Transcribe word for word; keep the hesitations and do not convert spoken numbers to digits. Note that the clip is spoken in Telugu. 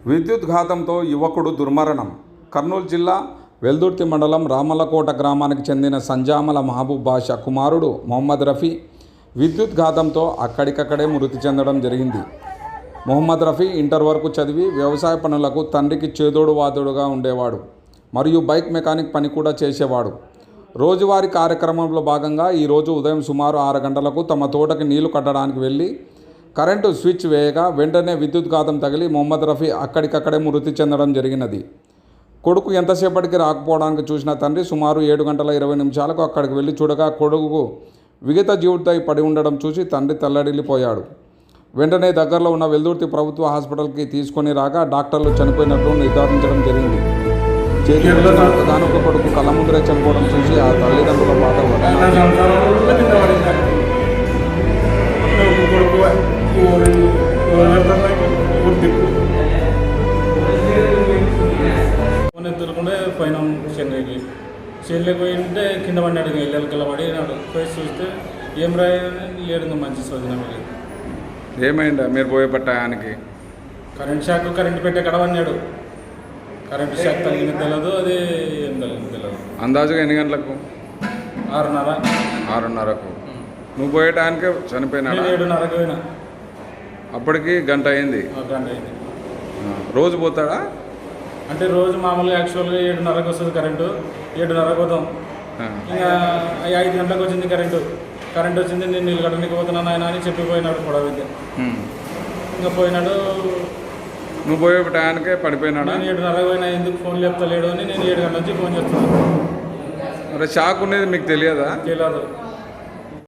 విద్యుత్ ఘాతంతో యువకుడు దుర్మరణం. కర్నూలు జిల్లా వెల్దుర్తి మండలం రామలకోట గ్రామానికి చెందిన సంజామల మహబూబ్ బాషా కుమారుడు మొహమ్మద్ రఫీ విద్యుత్ ఘాతంతో అక్కడికక్కడే మృతి చెందడం జరిగింది. మొహమ్మద్ రఫీ ఇంటర్ వరకు చదివి వ్యవసాయ పనులకు తండ్రికి చేదోడు వాదోడుగా ఉండేవాడు మరియు బైక్ మెకానిక్ పని కూడా చేసేవాడు. రోజువారీ కార్యక్రమంలో భాగంగా ఈరోజు ఉదయం సుమారు ఆరు గంటలకు తమ తోటకి నీళ్లు కట్టడానికి వెళ్ళి కరెంటు స్విచ్ వేయగా వెంటనే విద్యుత్ ఘాతం తగిలి మొహమ్మద్ రఫీ అక్కడికక్కడే మృతి చెందడం జరిగినది. కొడుకు ఎంతసేపటికి రాకపోవడానికి చూసిన తండ్రి సుమారు ఏడు గంటల ఇరవై నిమిషాలకు అక్కడికి వెళ్ళి చూడగా కొడుకు విగత జీవితై పడి ఉండడం చూసి తండ్రి తల్లడిల్లిపోయాడు. వెంటనే దగ్గరలో ఉన్న వెల్దుర్తి ప్రభుత్వ హాస్పిటల్కి తీసుకొని రాగా డాక్టర్లు చనిపోయినట్లు నిర్ధారించడం జరిగింది. చేతిలో దానొక కొడుకు కళ్ళ ముందరే చనిపోవడం చూసి ఆ తల్లిదండ్రుల బాధ ఎత్తుకుంటే పోయినాం చెన్నైకి. చెన్నైకి పోయింటే కింద పడినాడు, ఇళ్ళకి కింద పడినాడు. పోయి చూస్తే ఏం రాయని లేడు, మంచి సోదిన. ఏమైందా మీరు పోయే పట్టాయానికి? కరెంట్ షాక్ కరెంట్ పెట్టే కడ పడినాడు. కరెంట్ షాక్ తగిన తెలియదు, అది ఏం తగిన తెలియదు. అందాజుగా ఎన్ని గంటలకు? ఆరున్నర ఆరున్నరకు నువ్వు పోయే టైంకే చనిపోయినా? ఏడున్నరకు పోయినా. అప్పటికి గంట అయింది. గంట అయింది. రోజు పోతాడా? అంటే రోజు మామూలుగా యాక్చువల్గా ఏడున్నరకు వస్తుంది కరెంటు, ఏడున్నరకు పోతాం. ఇంకా ఐదు గంటలకు వచ్చింది కరెంటు. కరెంట్ వచ్చింది, నేను నీళ్ళు కట్టడానికి పోతున్నాను ఆయన అని చెప్పిపోయినాడు కూడా విద్య. ఇంకా పోయినాడు. నువ్వు పోయే టయానికే పడిపోయినాడు. నేను ఏడున్నరకు పోయినా, ఎందుకు ఫోన్ లేపుతలేడు అని నేను ఏడు గంటల నుంచి ఫోన్ చేస్తున్నాను. మరి షాక్ ఉండేది మీకు తెలియదా? తెలియదు.